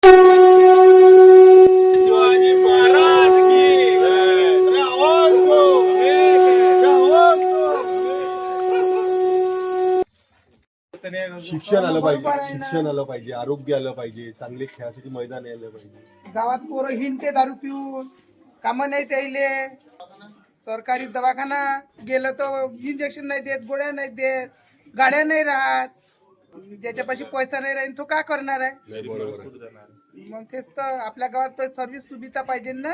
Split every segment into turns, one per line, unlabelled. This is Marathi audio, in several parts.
शिवाजी महाराज की रावण को रावण को
शिक्षण आलं पाहिजे, शिक्षण आलं पाहिजे, आरोग्य आलं पाहिजे, चांगले खेळासाठी मैदान आलं पाहिजे.
गावात पोरं हिंडते दारू पिऊन, कामं नाही त्याइले. सरकारी दवाखाना गेलं तर इंजेक्शन नाही देत, गोळ्या नाही देत, गाड्या नाही राहत. ज्याच्यापाशी पैसा नाही राहील तो काय करणार आहे?
बरोबर आहे.
मग तेच तर आपल्या गावात सर्व्हिस सुविधा पाहिजे ना.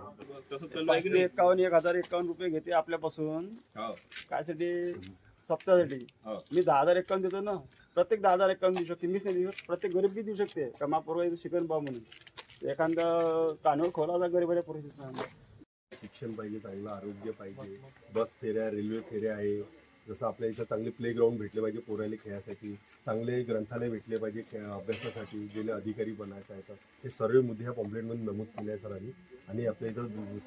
51,051 रुपये घेते आपल्यापासून. कायसाठी? सप्ताहासाठी. मी 10,051 देतो ना. प्रत्येक 10,051 देऊ शकते. मीच नाही देऊ शकत, प्रत्येक गरीब बी देऊ शकते. का महापूर्वा शिकन भाव म्हणून एखादा कानूर खोला गरीबाच्या पुरुष.
शिक्षण पाहिजे, चांगलं आरोग्य पाहिजे, बस फेऱ्या, रेल्वे फेऱ्या आहे. जसं आपल्या इथं चांगले प्लेग्राऊंड भेटले पाहिजे पोरायला खेळासाठी, चांगले ग्रंथालय भेटले पाहिजे अभ्यासासाठी, गेले अधिकारी बनायचं आहे. हे सर्व मुद्दे ह्या पॉम्पलेटमध्ये नमूद केले आहे सरांनी. आणि आपल्या इथं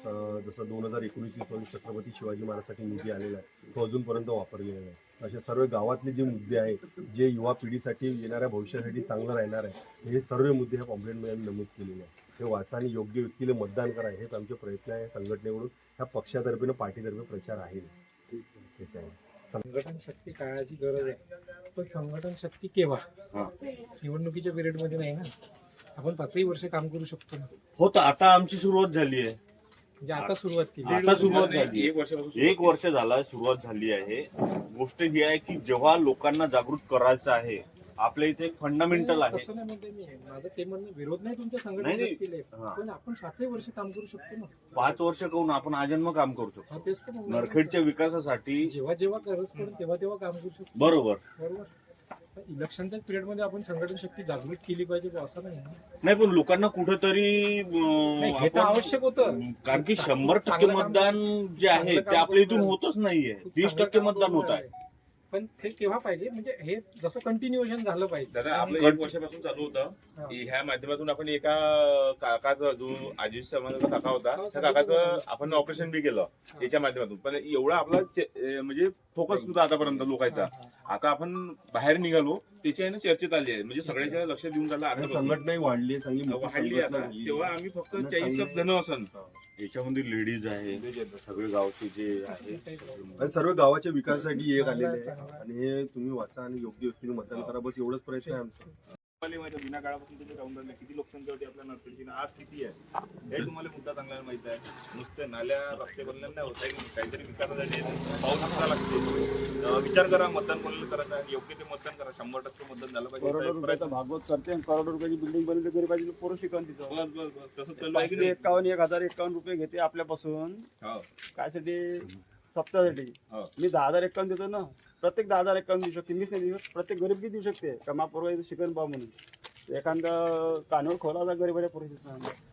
जसं 2019-20 छत्रपती शिवाजी महाराजसाठी निधी आलेला आहे, तो अजूनपर्यंत वापरलेला नाही. अशा सर्व गावातले जे मुद्दे आहेत, जे युवा पिढीसाठी येणाऱ्या भविष्यासाठी चांगलं राहणार आहे, हे सर्व मुद्दे ह्या पॉम्पलेटमध्ये नमूद केलेले आहेत. हे वाचा आणि योग्य व्यक्तीला मतदान करा, हेच आमचे प्रयत्न आहे. संघटनेकडून ह्या पक्षातर्फे पार्टीतर्फे प्रचार आहे त्याच्यावर.
संघटन शक्ती काळाची गरज आहे, पण संघटन शक्ती केव्हा? निवडणुकीच्या पिरियड मध्ये नाही ना. आपण 5ही वर्ष काम करू शकतो ना.
हो, तर आता आमची सुरुवात झाली आहे.
म्हणजे आता सुरुवात केली.
आता सुरुवात झाली, एक वर्ष झाला सुरुवात झाली आहे. गोष्ट ही आहे की जेव्हा लोकांना जागृत करायचं आहे, आपल्या इथे एक फंडामेंटल आहे.
तसं नाही म्हणते मी, माझं ते म्हणणं विरोध नाही तुमच्या
नाही,
संघटनेत
नाही.
केले,
हा.
पण आपण 5ही वर्ष काम करू शकतो ना.
5 वर्ष करून आपण आजन्म काम करू शकतो.
हा, तेच तर म्हणलं.
नरखेडच्या विकासासाठी.
जेव्हा जेव्हा गरज पडेल तेव्हा तेव्हा काम करू शकतो.
बरोबर.
बरोबर. इलेक्शनच्या पिरियड मध्ये आपण संघटन शक्ती जागृत केली पाहिजे बुवा, असं नाही ना.
नाही, पण लोकांना कुठेतरी
नाही, हे तर आवश्यक होतं.
कारण की 100%
चांगलं काम-
मतदान जे आहे
चांगलं
ते
काम
आपल्या इथून
करून
होतच नाहीये.
खूप
30%
चांगलं
मतदान
काम
होत आहे.
करून पण ते केव्हा पाहिजे, म्हणजे हे जसं कंटिन्युएशन झालं पाहिजे.
दादा, आपलं 1 वर्षापासून चालू होतं.
हा.
ह्या माध्यमातून आपण एका काकाचा जो आजी समाजाचा काका होता, त्या काकाचं आपण ऑपरेशन बी केलं याच्या माध्यमातून. पण एवढा आपला म्हणजे फोकस होता आतापर्यंत लोकांचा. आता आपण बाहेर निघालो, त्याच्या चर्चेत आली आहे, म्हणजे सगळ्याच्या लक्ष देऊन झालं.
आणि
आता
संघटनाही वाढली आहे, चांगली मोठी
वाढली
संघटना
आता.
झाली.
तेव्हा आम्ही फक्त
आणि
40
चांगली-
जण असन.
याच्यामध्ये लेडीज आहे, सगळे गावचे जे आहे.
आणि सर्व गावाच्या विकासासाठी एक आलेले आहे. आणि हे तुम्ही वाचा आणि योग्य व्यक्तीने मतदान करा, बस एवढंच प्रयत्न आहे आमचा.
तुम्हाला माहिती आहे, जुन्या काळापासून तुम्ही राहून राहिले, किती लोकसंख्या होती आपल्या नरखेडची, आज किती आहे हे तुम्हाला मुद्दा चांगला माहिती आहे. नुसते नाल्या रस्ते बनले नाही होत आहे, काहीतरी विकासासाठी पाऊल उचलायला लागते. विचार करा, मतदान कोणाला करायचं आहे, योग्य ते मतदान करा. 100% मतदान झालं
करोडो
पाहिजे.
रुपयाचा भागवत करते आणि करोडो रुपयाची बिल्डिंग बनवली गरीबाची पोरं शिकवून तिथं.
बस बस बस तसं चालू आहे की नाही?
51,051 रुपये घेते आपल्यापासून.
हो.
कायसाठी? सप्ताहासाठी.
हो.
मी 10,051 देतो ना. प्रत्येक 10,051 देऊ शकते. मीच नाही देऊ शकत, प्रत्येक गरीब बी देऊ शकते. का महापूर्वा शिकन भाव म्हणून एखादा कानूर खोला गरीबाच्या पुरुष.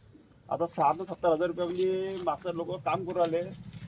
आता 60 ते 70,000 रुपये म्हणजे मास्तर लोक काम करू राहिले.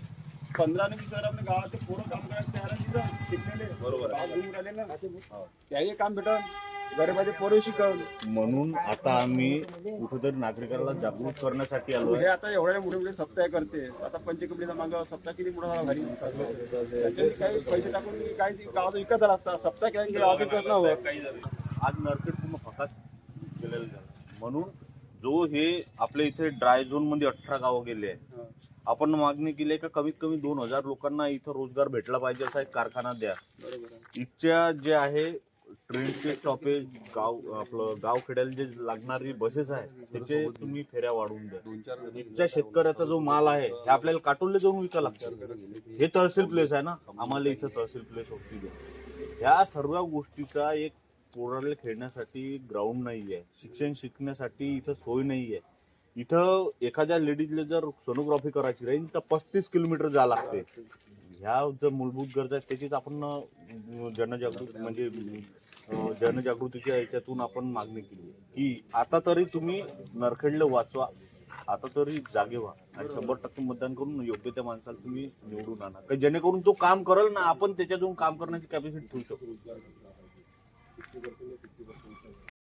15 आणि 20 हजार आपल्या गावाचे पोरं काम करायला तयार आहे तिथं, शिकलेले.
बरोबर आहे.
गाव घेऊन राहिले ना. त्याही काम भेटल, गरीबाचे पोरं शिकवलं.
म्हणून आता आम्ही कुठेतरी नागरिकांना जागृत करण्यासाठी आलो
हे
आहे.
आता एवढ्या मोठे मोठे सप्ताह करते. आता पंचकपडीचा मागं सप्ताह किती मोठा झाला भारी. त्याच्यात काही पैसे टाकून काही गावाचा विकत लागतात. सप्ताह केल्याने गावाचा विकत नाही होत.
आज नरखेड पूर्ण फकाट केलेलं झालं. म्हणून जो हे आपल्या इथे ड्राय झोन मध्ये 18 गावं गेले आहे, आपण मागणी केली आहे का कमीत कमी 2,000 लोकांना इथं रोजगार भेटला पाहिजे, असा एक कारखाना द्या. इथच्या जे आहे ट्रेनचे स्टॉपेज, आपलं गाव खेड्याला जे लागणारी बसेस आहे त्याचे तुम्ही फेऱ्या वाढवून द्या. इथच्या शेतकऱ्याचा जो माल आहे हे आपल्याला काटोलले जाऊन विकायला लागतं. हे तहसील प्लेस आहे ना, आम्हाला इथं तहसील प्लेस होती द्या. ह्या सर्व गोष्टीचा एक पोराला खेळण्यासाठी ग्राउंड नाही आहे, शिक्षण शिकण्यासाठी इथं सोय नाही आहे. इथं एखाद्या लेडीजला जर सोनोग्राफी करायची राहील तर 35 किलोमीटर जावं लागते. ह्या जर मूलभूत गरजा आहेत त्याचीच आपण जनजागृती म्हणजे जनजागृतीच्या याच्यातून आपण मागणी केली की आता तरी तुम्ही नरखेडला वाचवा, आता तरी जागे व्हा आणि 100% मतदान करून योग्य त्या माणसाला तुम्ही निवडून आणा, जेणेकरून तो काम करेल ना, आपण त्याच्यातून काम करण्याची कॅपॅसिटी ठेवू शकतो.